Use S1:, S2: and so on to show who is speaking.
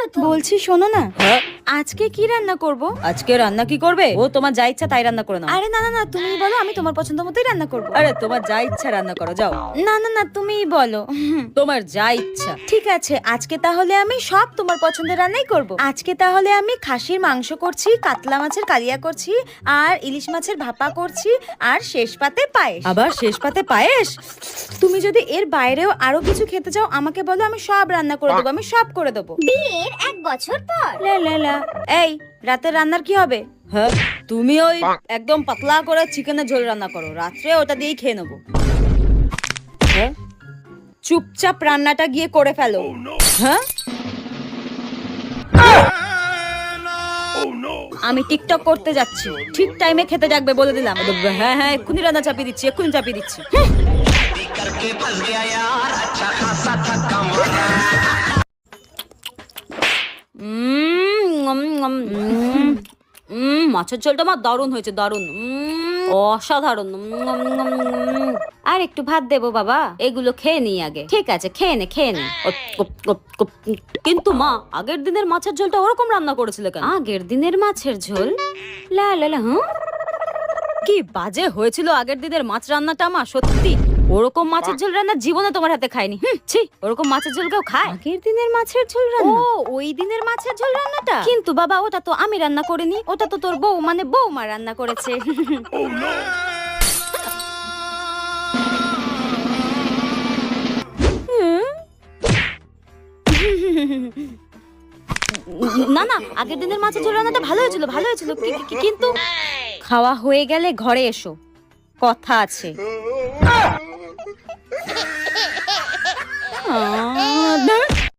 S1: প্রথম।
S2: বলছি শোনো না,
S3: হ্যাঁ,
S2: আজকে কি রান্না করব?
S3: আজকে রান্না কি করবে? ও তোমার যা ইচ্ছা তাই রান্না করে নাও।
S2: আরে না না না, তুমি বলো, আমি তোমার পছন্দ মতোই রান্না করব।
S3: আরে তোমার যা ইচ্ছা রান্না করো, যাও।
S2: না না না, তুমিই বলো।
S3: তোমার যা ইচ্ছা।
S2: ঠিক আছে, আজকে তাহলে আমি সব তোমার পছন্দের রান্নাই করব। আজকে তাহলে আমি খাসির মাংস করছি, কাতলা মাছের কালিয়া করছি, আর ইলিশ মাছের ভাপা করছি, আর শেষ পাতে পায়েস।
S3: আবার শেষ পাতে পায়েস?
S2: তুমি যদি এর বাইরেও আরো কিছু খেতে চাও আমাকে বলো, আমি সব রান্না করে দেবো, আমি সব করে দেবো।
S1: বিয়ের 1 বছর পর।
S2: লা লা লা। এই রাতের রান্নার কি হবে?
S3: হ্যাঁ, তুমি ওই একদম পাতলা করে চিকেনের ঝোল রান্না করো, রাত্রে ওটা দিয়েই খেয়ে নেবো। হ্যাঁ,
S2: চুপচাপ রান্নাটা গিয়ে করে ফেলো।
S3: হ্যাঁ,
S2: আমি টিকটক করতে যাচ্ছি, ঠিক টাইমে খেতে ডাকবে বলে দিলাম।
S3: হ্যাঁ হ্যাঁ, এক্ষুনি রান্না চাপিয়ে দিচ্ছি, এক্ষুনি চাপিয়ে দিচ্ছি।
S4: करके फंस गया यार अच्छा खासा थका मारा
S3: মাছের ঝোলটা আমার দারুণ হয়েছে, দারুণ, অসাধারণ।
S2: আর একটু ভাত দেবো বাবা।
S3: এগুলো খেয়ে নি আগে। ঠিক আছে, খেয়ে নে খেয়ে নে। কিন্তু মা, আগের দিনের মাছের ঝোলটা ওরকম রান্না করেছিলে কেন?
S2: আগের দিনের মাছের ঝোল? লা লা লা। হুঁ,
S3: কি বাজে হয়েছিল আগের দিনের মাছ রান্নাটা, মা সত্যি। ওরকম মাছের ঝোল রান্না জীবনে তোমার হাতে খাইনি। ছি, ওরকম মাছের ঝোল কেউ খায়?
S2: আগের দিনের মাছের ঝোল
S3: ও,
S2: রান্না?
S3: ওই দিনের মাছের ঝোল রান্নাটা?
S2: কিন্তু বাবা ওটা তো আমি রান্না করিনি, ওটা তো তোর বউ মানে বৌমা রান্না করেছে।
S3: না না, আগের দিনের মাছের ঝোল রান্নাটা ভালো হয়েছিল, ভালো হয়েছিল, কিন্তু
S2: খাওয়া হয়ে গেলে ঘরে এসো, কথা আছে।
S3: না